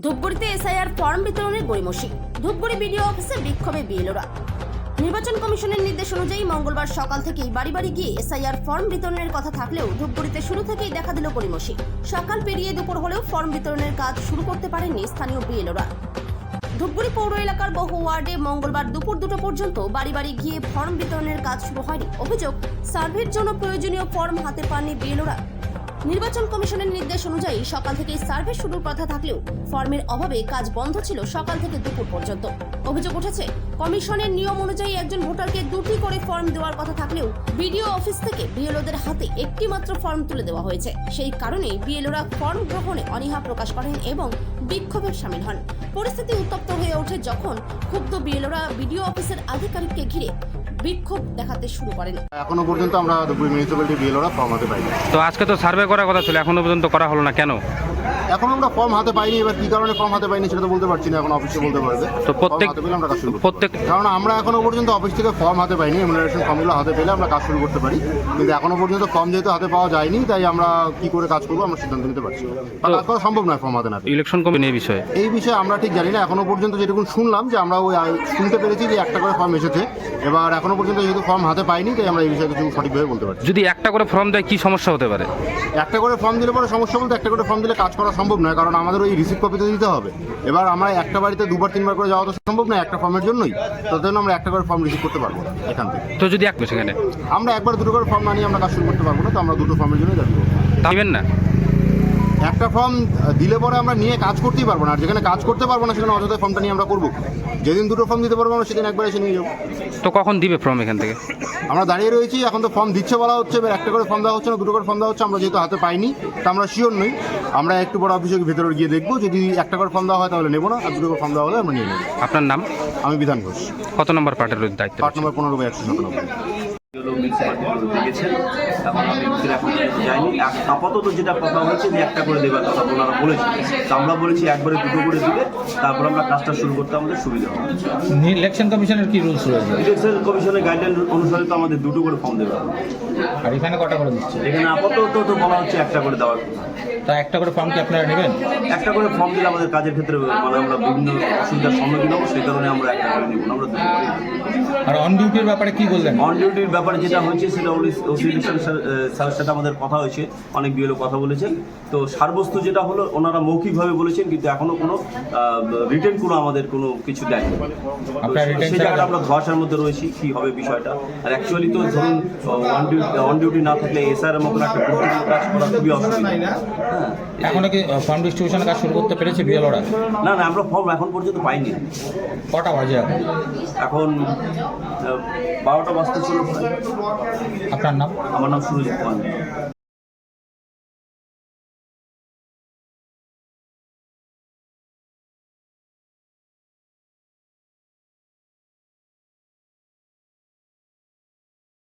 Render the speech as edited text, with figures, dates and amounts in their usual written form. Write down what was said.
ধূপগুড়িতে SIR form বিতরণের গড়িমসি। Dhupguri BDO অফিসে বিক্ষোভে বিএলওরা। নির্বাচন কমিশনের নির্দেশ অনুযায়ী মঙ্গলবার সকাল থেকেই বাড়ি বাড়ি গিয়ে এসআইআর ফর্ম বিতরণের কথা থাকলেও ধূপগুড়িতে শুরু থেকেই দেখা দিল গড়িমসি। সকাল পেরিয়ে দুপুর হলেও ফর্ম বিতরণের কাজ শুরু করতে পারেননি স্থানীয় বিএলওরা। ধূপগুড়ি পৌর এলাকার বহু ওয়ার্ডে মঙ্গলবার দুপুর 2টা পর্যন্ত বাড়ি বাড়ি গিয়ে ফর্ম বিতরণের কাজ শুরু হয়নি। অভিযোগ, সার্ভের জন্য প্রয়োজনীয় ফর্ম হাতে পাননি বিএলওরা। নির্বাচন কমিশনের নির্দেশ অনুযায়ী সকাল থেকেই সার্ভে শুরুর কথা থাকলেও ফর্মের অভাবে কাজ বন্ধ ছিল সকাল থেকে দুপুর পর্যন্ত। অভিযোগ উঠেছে, কমিশনের নিয়ম অনুযায়ী একজন ভোটারকে 2টি করে ফর্ম দেওয়ার কথা থাকলেও বিডিও অফিস থেকে বিএলওদের হাতে একটি মাত্র ফর্ম তুলে দেওয়া হয়েছে। সেই কারণেই বিএলওরা ফর্ম গ্রহণে অনীহা প্রকাশ করেন এবং বিক্ষোভে শামিল হন। পরিস্থিতি উত্তপ্ত হয়ে ওঠে যখন ক্ষুব্ধ বিএলওরা বিডিও অফিসের আধিকারিককে ঘিরে বিক্ষোভ দেখাতে শুরু করেন। এখনো পর্যন্ত আমরা ধূপগুড়ি মিউনিসিপ্যালিটি বিএলওরা ফর্ম হাতে পাইনি। তো আজকে তো সার্ভে করার কথা ছিল, এখনো পর্যন্ত করা হলো না কেন? এখন আমরা ফর্ম হাতে পাইনি। এবার কি কারণে ফর্ম হাতে পাইনি সেটা তো বলতে পারছি না, এখন অফিসে বলতে পারবে। তো প্রত্যেক কারণ আমরা এখনো পর্যন্ত অফিস থেকে ফর্ম হাতে পাইনি। এমুনারেশন ফর্মগুলো হাতে পেলে আমরা কাজ শুরু করতে পারি, কিন্তু এখনো পর্যন্ত ফর্ম যেহেতু হাতে পাওয়া যায়নি, তাই আমরা কি করে কাজ করবো আমরা সিদ্ধান্ত নিতে পারছি না। কাজ করা সম্ভব নয় ফর্ম হাতে না। ইলেকশন কমিশন এই বিষয়ে আমরা ঠিক জানি না। এখনো পর্যন্ত যেটুকু শুনলাম যে আমরা ওই শুনতে পেরেছি যে একটা করে ফর্ম এসেছে। এবার এখনো পর্যন্ত যেহেতু ফর্ম হাতে পাইনি, তাই আমরা এই বিষয়ে কিছু সঠিকভাবে বলতে পারছি। যদি একটা করে ফর্ম দেয় কি সমস্যা হতে পারে? একটা করে ফর্ম দিলে পরে সমস্যা বলতে, একটা করে ফর্ম দিলে কাজ করা সম্ভব নয়, কারণ আমাদের ওই রিসিপ্ট কপি তো দিতে হবে। এবার আমরা একটা বাড়িতে 2-3 করে যাওয়া তো সম্ভব নয় একটা ফর্মের জন্যই। তার জন্য আমরা একটা করে ফর্ম রিসিভ করতে পারবো না এখান থেকে। তো যদি সেখানে আমরা একবার 2টো করে ফর্ম না নিয়ে আমরা কাজ শুরু করতে পারবো না। তো আমরা 2টো ফর্মের জন্যই দাবি করবো। দিবেন না? একটা ফর্ম দিলে পরে আমরা নিয়ে কাজ করতেই পারবো না। আর যেখানে কাজ করতে পারবো না সেখানে অযথা ফর্মটা নিয়ে আমরা করবো। যেদিন 2টো ফর্ম দিতে পারবো আমরা সেদিন একবার এসে নিয়ে যাবো। তো কখন দিবে ফর্ম এখান থেকে? আমরা দাঁড়িয়ে রয়েছি, এখন তো ফর্ম দিচ্ছে বলা হচ্ছে। এবার একটা করে ফর্ম দেওয়া হচ্ছে না, 2টো করে ফর্ম দেওয়া হচ্ছে। আমরা যেহেতু হাতে পাইনি তা আমরা শিওর নই। আমরা একটু বড় অফিসের ভিতরে গিয়ে দেখবো, যদি একটা করে ফর্ম দেওয়া হয় তাহলে নেবো না, আর 2টো করে ফর্ম দেওয়া হলে আমরা নিয়ে নেবো। আপনার নাম? আমি বিধান ঘোষ। কত নম্বর পার্টের দায়িত্ব? Part number 15/197। দিয়েছেন, এখন আমি এখন যাইনি। আপাতত যেটা কথা হয়েছে যে একটা করে দেওয়ার কথা ওনারা বলেছেন, তো আমরা বলেছি একবারে 2টো করে দিলে তারপর আমরা কাজটা শুরু করতে আমাদের সুবিধা হবে। ইলেকশন কমিশনের কি রুলস রয়েছে? ইলেকশন কমিশনের গাইডলাইন অনুসারে তো আমাদের 2টো করে ফর্ম দেওয়া হবে। আর এখানে কটা করে দিচ্ছে? এখানে আপাতত তো বলা হচ্ছে একটা করে দেওয়ার। তা একটা করে ফর্ম কি আপনারা নেবেন? একটা করে ফর্ম দিলে আমাদের কাজের ক্ষেত্রে মানে আমরা বিভিন্ন অসুবিধার সম্মুখীন হবো, সেই কারণে আমরা একটা করে নিব না, আমরা 2টো করে নিব। আর অন ডিউটির ব্যাপারে কি বললেন? অন ডিউটির ব্যাপারে যেটা হয়েছে সেটা ইলেকশন স্যারের সাথে আমাদের কথা হয়েছে, অনেক বিএলও কথা বলেছেন। তো সারবস্তু যেটা হলো ওনারা মৌখিকভাবে বলেছেন, কিন্তু এখনো কোনো রিটেন কোনো আমাদের কোনো কিছু দেয়নি। সেই জায়গাটা আমরা ধোঁয়াশার মধ্যে রয়েছি কি হবে বিষয়টা। আর অ্যাকচুয়ালি তো ধরুন অন ডিউটি না থাকলে এসআর এর মতন একটা গুরুত্বপূর্ণ কাজ করা খুবই অসুবিধা। হ্যাঁ, এখনো কি ফর্ম ডিস্ট্রিবিউশনের কাজ শুরু করতে পেরেছে বিএলওরা? না, আমরা ফর্ম এখন পর্যন্ত পাইনি। কটা বাজে এখন? এখন 12টা বাজতে ছিল। আপনার নাম? আমার নাম সুরজ কুমার।